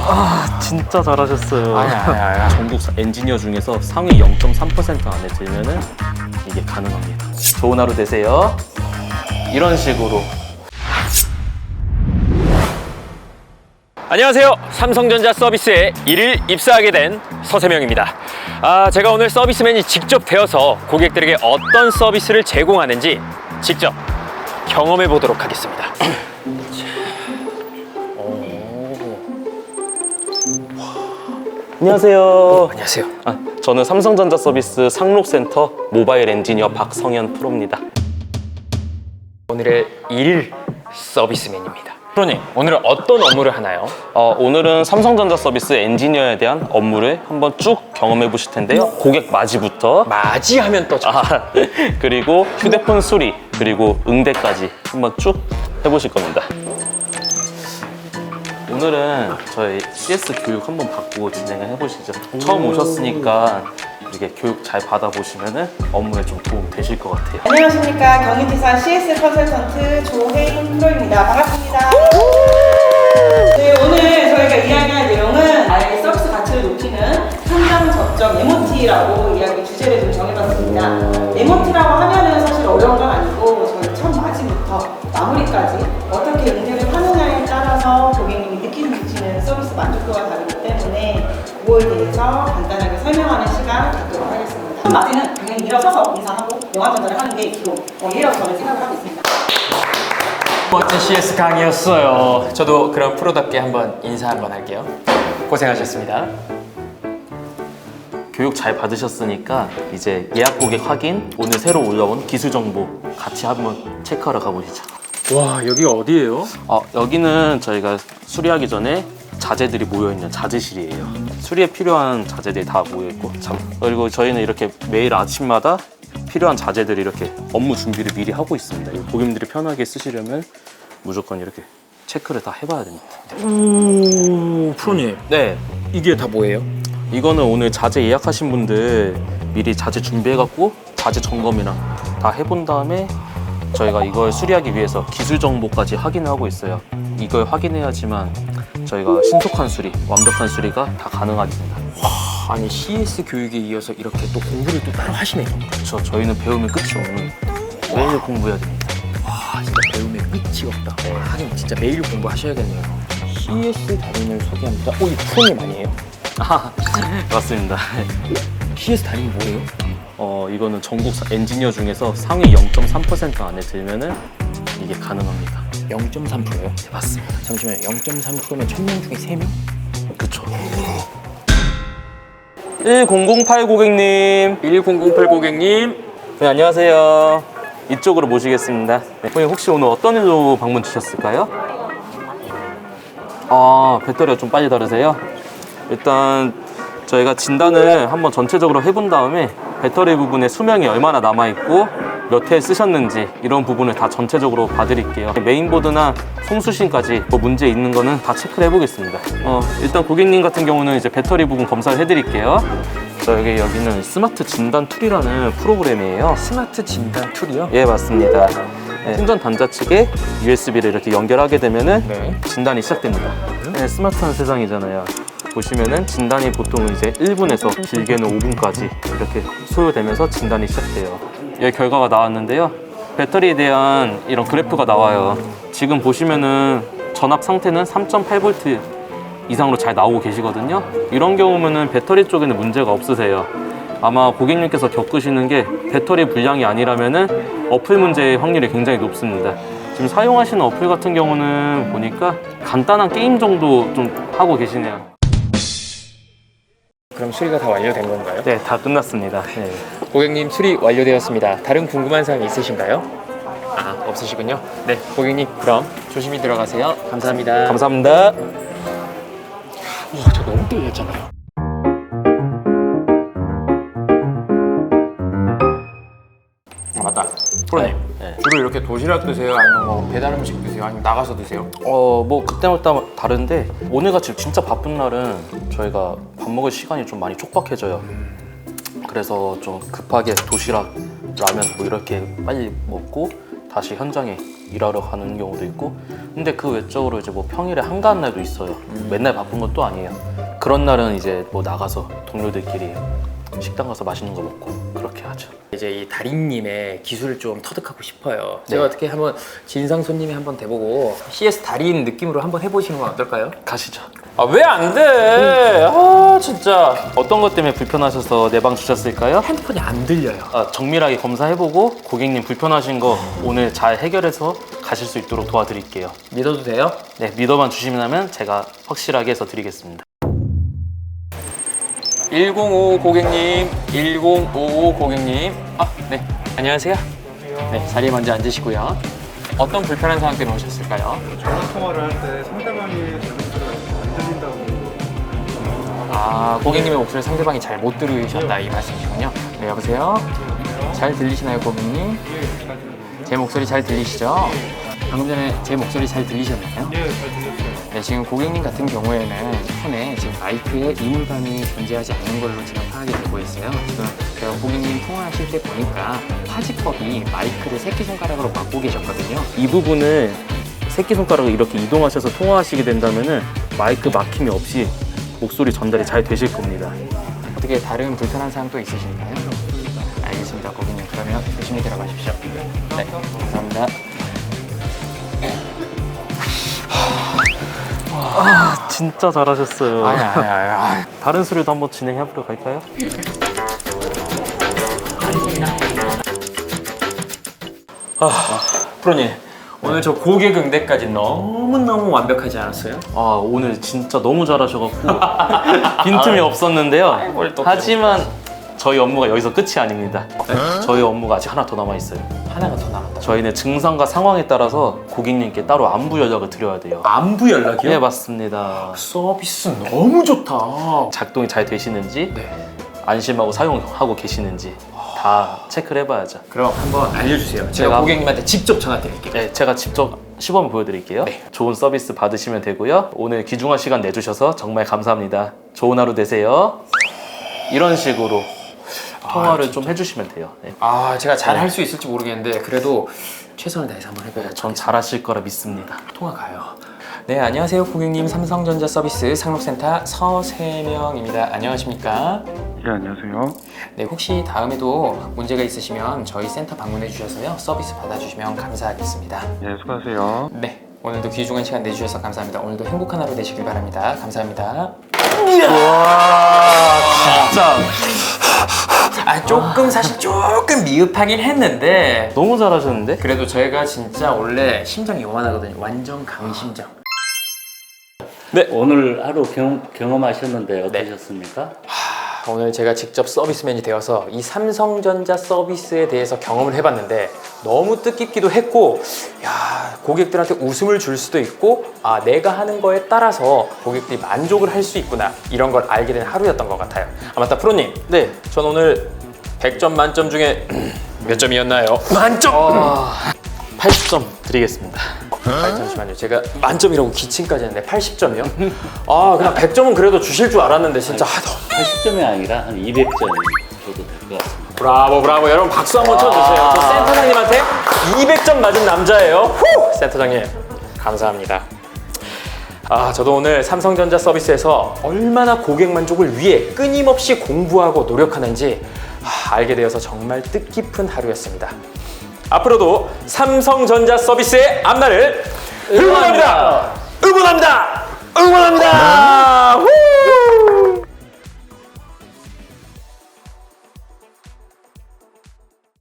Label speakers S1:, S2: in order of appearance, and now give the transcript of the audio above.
S1: 진짜 잘하셨어요.
S2: 아니야.
S1: 전국 엔지니어 중에서 상위 0.3% 안에 들면은 이게 가능합니다. 좋은 하루 되세요. 이런 식으로.
S2: 안녕하세요. 삼성전자 서비스에 일일 입사하게 된 서세명입니다. 제가 오늘 서비스맨이 직접 되어서 고객들에게 어떤 서비스를 제공하는지 직접 경험해 보도록 하겠습니다.
S1: 안녕하세요.
S2: 안녕하세요.
S1: 저는 삼성전자 서비스 상록센터 모바일 엔지니어 박성현 프로입니다.
S2: 오늘의 일일 서비스맨입니다. 프로님, 오늘은 어떤 업무를 하나요?
S1: 오늘은 삼성전자 서비스 엔지니어에 대한 업무를 한번 쭉 경험해 보실 텐데요. 고객 맞이부터
S2: 맞이하면 또
S1: 그리고 휴대폰 수리, 그리고 응대까지 한번 쭉 해보실 겁니다. 오늘은 저희 CS 교육 한번 받고 진행을 해보시죠. 처음 오셨으니까 이렇게 교육 잘 받아보시면 업무에 좀 도움 되실 것 같아요.
S3: 안녕하십니까. 경희지사 CS 컨설턴트 조혜인 프로입니다. 반갑습니다. 네, 오늘 저희가 이야기할 내용은 나의 서비스 가치를 높이는 현장 접점 MOT라고 이야기 주제를 좀 정해봤습니다. MOT라고 하면은 사실 어려운 건 아니고 저희 첫 맞이부터 마무리까지 어떻게 응대를 하느냐에 따라서 고객님이 느끼는 서비스 만족도가 다르기 때문에 그거에 대해서 간단하게 설명하는 시간 갖도록 하겠습니다. 첫 맞이는 당연히 일어서서 인사하고 영화 전달을 하는 게 기본 이라고 저는 생각을 하고 있습니다.
S2: 멋진 CS 강의였어요. 저도 그럼 프로답게 한번 인사 한번 할게요. 고생하셨습니다.
S1: 교육 잘 받으셨으니까 이제 예약 고객 확인, 오늘 새로 올라온 기술 정보 같이 한번 체크하러 가보시죠.
S2: 와, 여기가 어디예요?
S1: 여기는 저희가 수리하기 전에 자재들이 모여있는 자재실이에요. 수리에 필요한 자재들이 다 모여있고, 그리고 저희는 이렇게 매일 아침마다 필요한 자재들이 이렇게 업무 준비를 미리 하고 있습니다. 고객님들이 편하게 쓰시려면 무조건 이렇게 체크를 다 해봐야 됩니다.
S2: 오, 프로님.
S1: 네,
S2: 이게 다 뭐예요?
S1: 이거는 오늘 자재 예약하신 분들 미리 자재 준비해갖고 자재 점검이랑 다 해본 다음에 저희가 이걸 수리하기 위해서 기술 정보까지 확인을 하고 있어요. 이걸 확인해야지만 저희가 신속한 수리, 완벽한 수리가 다 가능하겠습니다.
S2: 아니, CS 교육에 이어서 이렇게 또 공부를 또 따로 하시네요.
S1: 그렇죠. 저희는 배우면 끝이 없는, 매일 공부해야 됩니다.
S2: 와, 진짜 배움의 끝이 없다. 하긴 진짜 매일 공부하셔야겠네요. CS 달인을 소개합니다. 이 프로님 아니에요?
S1: 맞습니다.
S2: CS 달인이 뭐예요?
S1: 이거는 전국 엔지니어 중에서 상위 0.3% 안에 들면은 이게 가능합니다.
S2: 0.3%요?
S1: 네, 맞습니다.
S2: 잠시만요. 0.3%면 1000명 중에 3명?
S1: 그쵸. 1008 고객님.
S2: 1008 고객님.
S1: 네, 안녕하세요. 이쪽으로 모시겠습니다. 네, 고객님 혹시 오늘 어떤 일로 방문 주셨을까요? 배터리가 좀 빨리 다르세요? 일단 저희가 진단을 한번 전체적으로 해본 다음에 배터리 부분에 수명이 얼마나 남아있고 몇 회 쓰셨는지 이런 부분을 다 전체적으로 봐드릴게요. 메인보드나 송수신까지 뭐 문제 있는 거는 다 체크를 해보겠습니다. 일단 고객님 같은 경우는 이제 배터리 부분 검사를 해드릴게요. 여기는 스마트 진단 툴이라는 프로그램이에요.
S2: 스마트 진단 툴이요?
S1: 예, 맞습니다. 네, 충전 단자 측에 USB를 이렇게 연결하게 되면은 진단이 시작됩니다. 네, 스마트한 세상이잖아요. 보시면은 진단이 보통 이제 1분에서 길게는 5분까지 이렇게 소요되면서 진단이 시작돼요. 여기 결과가 나왔는데요. 배터리에 대한 이런 그래프가 나와요. 지금 보시면은 전압 상태는 3.8V 이상으로 잘 나오고 계시거든요. 이런 경우면은 배터리 쪽에는 문제가 없으세요. 아마 고객님께서 겪으시는 게 배터리 불량이 아니라면은 어플 문제의 확률이 굉장히 높습니다. 지금 사용하시는 어플 같은 경우는 보니까 간단한 게임 정도 좀 하고 계시네요.
S2: 그럼 수리가 다 완료된 건가요?
S1: 네, 다 끝났습니다. 네.
S2: 고객님, 수리 완료되었습니다. 다른 궁금한 사항 있으신가요? 없으시군요. 네, 고객님, 그럼 조심히 들어가세요. 감사합니다.
S1: 감사합니다.
S2: 와, 저 너무 떨렸잖아요. 맞다. 프로님,
S1: 네.
S2: 주로 이렇게 도시락 드세요? 아니면 뭐 배달 음식 드세요? 아니면 나가서 드세요?
S1: 뭐 그때마다 다른데 오늘같이 진짜 바쁜 날은 저희가 밥 먹을 시간이 좀 많이 촉박해져요. 그래서 좀 급하게 도시락, 라면 뭐 이렇게 빨리 먹고 다시 현장에 일하러 가는 경우도 있고, 근데 그 외적으로 이제 뭐 평일에 한가한 날도 있어요. 맨날 바쁜 것도 아니에요. 그런 날은 이제 뭐 나가서 동료들끼리 식당 가서 맛있는 거 먹고 그렇게 하죠.
S2: 이제 이 달인님의 기술을 좀 터득하고 싶어요.
S1: 네.
S2: 제가 어떻게 한번 진상 손님이 한번 돼보고 CS 달인 느낌으로 한번 해보시는 건 어떨까요?
S1: 가시죠.
S2: 아 왜 안 돼? 아 진짜
S1: 어떤 것 때문에 불편하셔서 내 방 주셨을까요?
S2: 핸드폰이 안 들려요.
S1: 정밀하게 검사해보고 고객님 불편하신 거 오늘 잘 해결해서 가실 수 있도록 도와드릴게요.
S2: 믿어도 돼요?
S1: 네, 믿어만 주시면 제가 확실하게 해서 드리겠습니다.
S2: 1055 고객님, 1055 고객님. 네, 안녕하세요. 네, 자리에 먼저 앉으시고요. 어떤 불편한 상황 때문에 오셨을까요?
S4: 전화 통화를 할 때 상대방이 제 목소리가 안 들린다고.
S2: 고객님의 목소리를 상대방이 잘 못 들으셨다 이 말씀이시군요. 네, 여보세요? 잘 들리시나요, 고객님? 제 목소리 잘 들리시죠? 방금 전에 제 목소리 잘 들리셨나요?
S4: 예, 잘 들렸어요.
S2: 네, 지금 고객님 같은 경우에는 폰에 지금 마이크에 이물감이 존재하지 않는 걸로 지금 파악이 되고 있어요. 지금 제가 고객님 통화하실 때 보니까 화지법이 마이크를 새끼손가락으로 막고 계셨거든요.
S1: 이 부분을 새끼손가락을 이렇게 이동하셔서 통화하시게 된다면은 마이크 막힘이 없이 목소리 전달이 잘 되실 겁니다.
S2: 어떻게 다른 불편한 사항 또 있으실까요? 알겠습니다, 고객님. 그러면 조심히 들어가십시오. 네, 감사합니다.
S1: 진짜 잘하셨어요.
S2: 아니.
S1: 다른 수리도 한번 진행해보러 갈까요?
S2: 프로님, 오늘 저 고객 응대까지 너무너무 완벽하지 않았어요?
S1: 오늘 진짜 너무 잘하셔갖고 빈틈이 없었는데요.
S2: 뭘 또
S1: 하지만 저희 업무가 여기서 끝이 아닙니다. 저희 업무가 아직 하나 더 남아있어요.
S2: 하나가 더 남았다.
S1: 저희는 증상과 상황에 따라서 고객님께 따로 안부 연락을 드려야 돼요.
S2: 안부 연락이요?
S1: 네, 맞습니다.
S2: 서비스 너무 좋다.
S1: 작동이 잘 되시는지,
S2: 네.
S1: 안심하고 사용하고 계시는지 다 체크를 해봐야죠.
S2: 그럼 한번 알려주세요. 제가
S1: 제가
S2: 고객님한테 직접 전화 드릴게요.
S1: 네, 제가 직접 시범을 보여드릴게요.
S2: 네.
S1: 좋은 서비스 받으시면 되고요. 오늘 귀중한 시간 내주셔서 정말 감사합니다. 좋은 하루 되세요. 이런 식으로 통화를 좀 해주시면 돼요. 네.
S2: 제가 잘 할 수 있을지 모르겠는데 그래도 최선을 다해서 한번 해봐야죠.
S1: 전 잘하실 거라 믿습니다.
S2: 통화 가요. 네, 안녕하세요 고객님. 삼성전자 서비스 상록센터 서세명입니다. 안녕하십니까?
S4: 예, 안녕하세요.
S2: 네, 혹시 다음에도 문제가 있으시면 저희 센터 방문해 주셔서요 서비스 받아주시면 감사하겠습니다.
S4: 예, 수고하세요.
S2: 네, 오늘도 귀중한 시간 내주셔서 감사합니다. 오늘도 행복한 하루 되시길 바랍니다. 감사합니다.
S1: 진짜
S2: 사실 조금 미흡하긴 했는데
S1: 너무 잘하셨는데?
S2: 그래도 저희가 진짜 원래 심장이 요만하거든요. 완전 강심장.
S5: 오늘 하루 경험하셨는데 어떠셨습니까?
S2: 오늘 제가 직접 서비스맨이 되어서 이 삼성전자 서비스에 대해서 경험을 해봤는데 너무 뜻깊기도 했고, 고객들한테 웃음을 줄 수도 있고, 내가 하는 거에 따라서 고객들이 만족을 할 수 있구나, 이런 걸 알게 된 하루였던 것 같아요. 맞다, 프로님.
S1: 네.
S2: 전 오늘 100점 만점 중에 몇 점이었나요? 만점!
S1: 80점 드리겠습니다.
S2: 잠시만요. 제가 만점이라고 기침까지 했는데 80점이요? 그냥 100점은 그래도 주실 줄 알았는데 진짜
S5: 80점이 아니라 한 200점 줘도 될 것 같습니다.
S2: 브라보. 여러분 박수 한번 쳐주세요. 저 센터장님한테 200점 맞은 남자예요. 후! 센터장님 감사합니다. 저도 오늘 삼성전자 서비스에서 얼마나 고객 만족을 위해 끊임없이 공부하고 노력하는지 알게 되어서 정말 뜻깊은 하루였습니다. 앞으로도 삼성전자 서비스의 앞날을 응원합니다.